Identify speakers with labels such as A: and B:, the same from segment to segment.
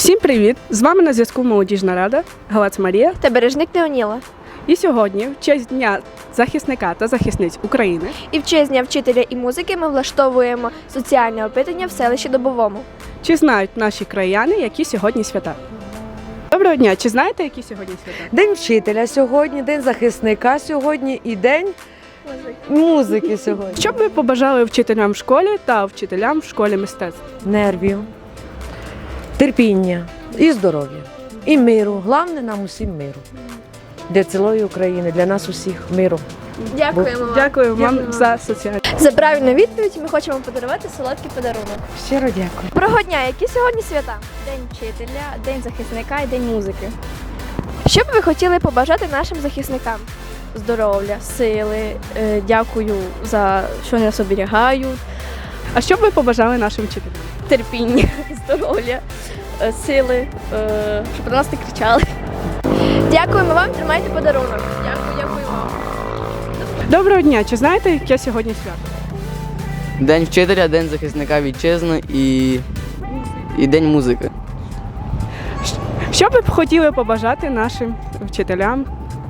A: Всім привіт! З вами на зв'язку Молодіжна рада, Галац Марія
B: та Бережник Неоніла.
A: І сьогодні, в честь Дня захисника та захисниць України
B: І в честь Дня вчителя і музики ми влаштовуємо соціальне опитання в селищі Добовому.
A: Чи знають наші краяни, які сьогодні свята? Доброго дня! Чи знаєте, які сьогодні свята?
C: День вчителя сьогодні, день захисника сьогодні і день музики сьогодні.
A: Що б ви побажали вчителям в школі та вчителям в школі мистецтв?
C: Нервів, терпіння і здоров'я. І миру. Головне нам усім миру. Для цілої України, для нас усіх миру.
B: Дякуємо вам.
A: Дякую вам за соціальне.
B: За правильну відповідь ми хочемо подарувати солодкий подарунок.
C: Щиро дякую.
B: Доброго дня! Які сьогодні свята?
D: День вчителя, день захисника і день музики.
B: Що б ви хотіли побажати нашим захисникам?
D: Здоров'я, сили, дякую за що вони нас оберігають,
A: А що б ви побажали нашим вчителям?
D: терпіння, здоров'я, сили, щоб на нас не кричали.
B: Дякуємо вам, тримайте подарунок. Дякую вам.
A: Доброго дня! Чи знаєте, яке сьогодні свято?
E: День вчителя, день захисника вітчизни і день музики.
A: Що б ви хотіли побажати нашим вчителям?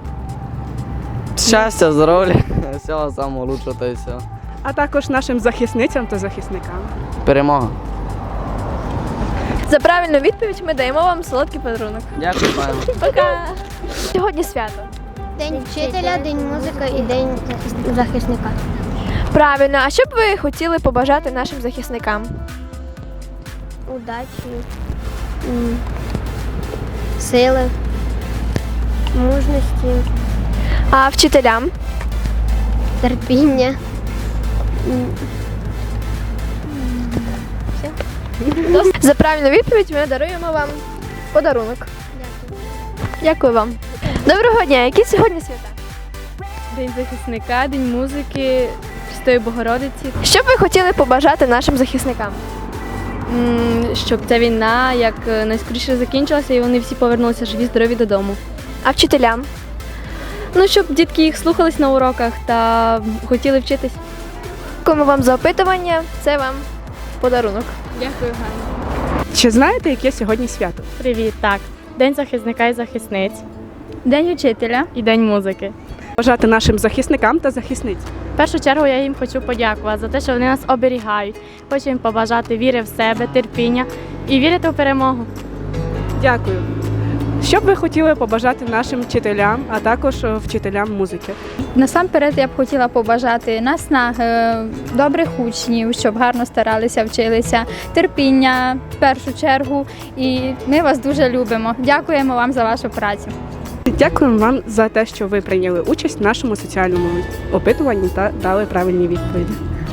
E: Щастя, здоров'я, всього самого лучшого та й все.
A: А також нашим захисницям та захисникам.
E: Перемога.
B: За правильну відповідь ми даємо вам солодкий подарунок.
E: Дякую, пане.
B: Пока! Сьогодні свято.
F: День вчителя, день музики і день захисника.
B: Правильно, а що б ви хотіли побажати нашим захисникам?
F: Удачі, сили, мужності,
B: А вчителям?
F: терпіння.
B: За правильну відповідь ми даруємо вам подарунок. Дякую вам. Доброго дня, які сьогодні свята?
D: День захисника, день музики, Пресвятої Богородиці.
B: Що б ви хотіли побажати нашим захисникам?
D: Щоб ця війна як найскоріше закінчилася і вони всі повернулися живі, здорові додому.
B: А вчителям?
D: Ну, щоб дітки їх слухались на уроках та хотіли вчитись.
B: Дякуємо вам за опитування. Це вам подарунок.
D: Дякую, Ганна.
A: Чи знаєте, яке сьогодні свято?
D: Привіт, так. День захисника і захисниць. День вчителя і день музики.
A: Бажати нашим захисникам та захисницям.
D: В першу чергу я їм хочу подякувати за те, що вони нас оберігають. Хочу їм побажати віри в себе, терпіння і вірити в перемогу.
A: Дякую. Що б ви хотіли побажати нашим вчителям, а також вчителям музики?
G: Насамперед я б хотіла побажати наснаги, добрих учнів, щоб гарно старалися, вчилися, терпіння в першу чергу. І ми вас дуже любимо. Дякуємо вам за вашу працю.
A: Дякуємо вам за те, що ви прийняли участь в нашому соціальному опитуванні та дали правильні відповіді.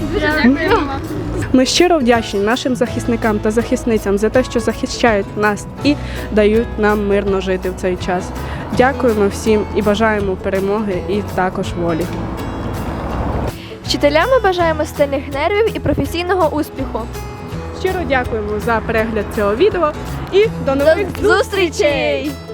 A: Ми щиро вдячні нашим захисникам та захисницям за те, що захищають нас і дають нам мирно жити в цей час. Дякуємо всім і бажаємо перемоги і також волі.
B: Вчителям ми бажаємо сильних нервів і професійного успіху.
A: Щиро дякуємо за перегляд цього відео і до нових
B: До зустрічей!